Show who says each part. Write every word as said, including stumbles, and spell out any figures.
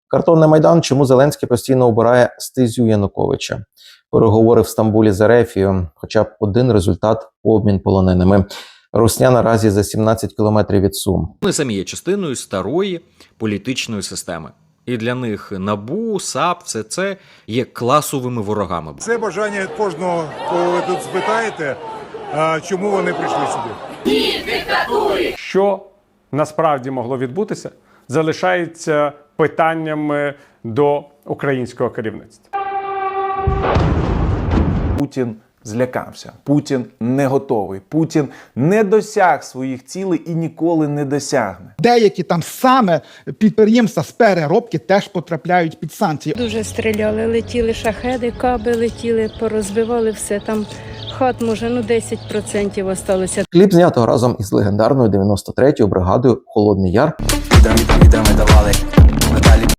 Speaker 1: Картонний Майдан. Чому Зеленський постійно обирає стезю Януковича? Переговори в Стамбулі з Ерефією. Хоча б один результат – обмін полоненими. Русня наразі за сімнадцять кілометрів від Сум.
Speaker 2: Вони самі є частиною старої політичної системи. І для них НАБУ, САП, все це є класовими ворогами.
Speaker 3: Це бажання кожного, кого ви тут спитаєте, чому вони прийшли сюди.
Speaker 4: Ні диктатурі!
Speaker 5: Що насправді могло відбутися, залишається питанням до українського керівництва.
Speaker 6: Путін злякався. Путін не готовий. Путін не досяг своїх цілей і ніколи не досягне.
Speaker 7: Деякі там саме підприємства з переробки теж потрапляють під санкції.
Speaker 8: Дуже стріляли, летіли шахеди, каби летіли, порозбивали все. Там хат, може, ну десять відсотків осталося.
Speaker 1: Кліп знято разом із легендарною дев'яносто третьою бригадою «Холодний Яр».